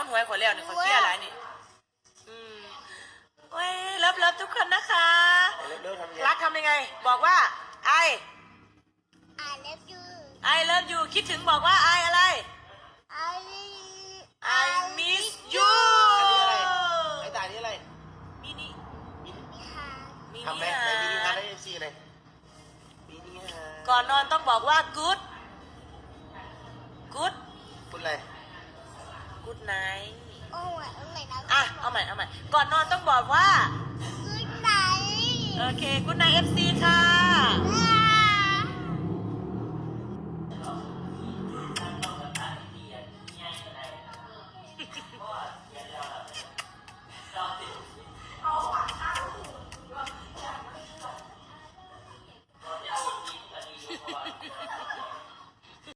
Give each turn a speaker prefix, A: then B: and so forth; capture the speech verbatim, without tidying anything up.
A: ำหวยขอแล้วนี่ขอเที่ยอะไรนี่อืมเว้ยเลิฟเลิฟทุกคนนะคะรักทำยังไงบอกว่าไอ
B: I love you
A: I love you คิดถึงบอกว่าไออะไร
B: I
A: I miss you
C: ไอ้ตายนี่อะไร
A: มินิ
C: มินิ
B: มิฮา
A: มิ
C: ทำไหม
A: นิ
C: ไหน
A: ฮา
C: มินิฮาร์ดเอฟซีเลยมินิฮาร์ด
A: ก่อนนอนต้องบอกว่า good good
C: คุณอะไร
A: good night
B: โอ้ยเอาใหม่นะ
A: อ่ะเอาใหม่เอาใหม่ก่อนนอนต้องบอกว่า
B: Good night
A: โอเค good night เอฟ ซี ค่ะ
B: อ่า